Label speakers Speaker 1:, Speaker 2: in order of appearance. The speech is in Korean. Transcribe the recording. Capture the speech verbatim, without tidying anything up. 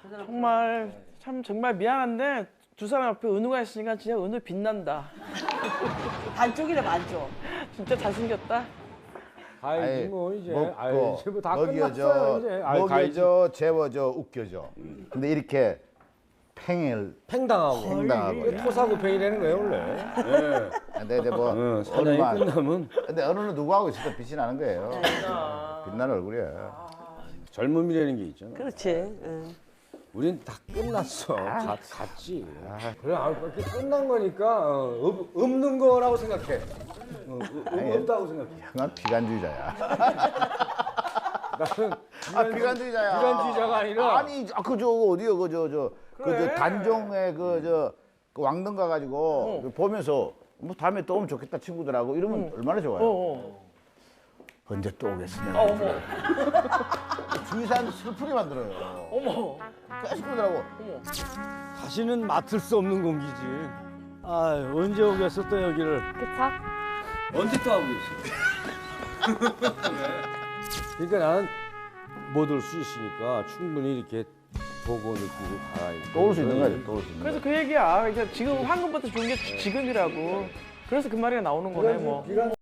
Speaker 1: 정말 참 정말 미안한데 두 사람 옆에 은우가 있으니까 진짜 은우 빛난다.
Speaker 2: 반쪽이래 반쪽.
Speaker 1: 진짜 잘생겼다.
Speaker 3: 아이 뭐 이제 아이
Speaker 4: 먹고
Speaker 3: 이제 뭐다
Speaker 4: 먹여줘,
Speaker 3: 끝났어요 이제. 아이, 가야지.
Speaker 4: 먹여줘, 재워줘, 웃겨줘. 근데 이렇게 팽을
Speaker 3: 팽당하고
Speaker 4: 팽당하고.
Speaker 3: 이게 토사구팽이라는 거예요 원래. 예.
Speaker 4: 근데 이제 뭐
Speaker 3: 어, 사냥이
Speaker 4: 얼마-
Speaker 3: 끝나면
Speaker 4: 근데 어느는 누구하고 있어도 빛이 나는 거예요. 빛나는 얼굴이야.
Speaker 3: 젊음이라는 게 있잖아.
Speaker 2: 그렇지. 응.
Speaker 3: 우린 다 끝났어. 가, 갔지. 그래, 아, 이렇게 끝난 거니까 어, 없, 없는 거라고 생각해. 어, 어, 없다고 생각해.
Speaker 4: 난 비관주의자야.
Speaker 3: 나는
Speaker 4: 아 비관주의자야.
Speaker 3: 비관주의자가 아니라
Speaker 4: 아니 그 저 어디요 그 저 저 그 저
Speaker 1: 그래.
Speaker 4: 단종의 그 저 그 왕릉 가가지고 보면서 뭐 다음에 또 오면 좋겠다 친구들하고 이러면 얼마나 좋아요.
Speaker 1: 어, 어.
Speaker 4: 언제 또 오겠으면.
Speaker 1: 어, 어머,
Speaker 4: 주위 사람들 슬프게 만들어요.
Speaker 1: 어머.
Speaker 4: 계속 그러더라고.
Speaker 3: 다시는 맡을 수 없는 공기지. 아, 언제 오겠어 또 여기를.
Speaker 2: 그쵸?
Speaker 3: 언제 또 하고 있어? 그러니까 나는 못 올 수 있으니까 충분히 이렇게 보고 느끼고 가야
Speaker 4: 또 올 수 있는 거지. 또 올 수 있는
Speaker 1: 그래서
Speaker 4: 거지.
Speaker 1: 그 얘기야. 그러니까 지금 황금부터 좋은 게 지금이라고. 그래서 그 말이 나오는 거네 뭐.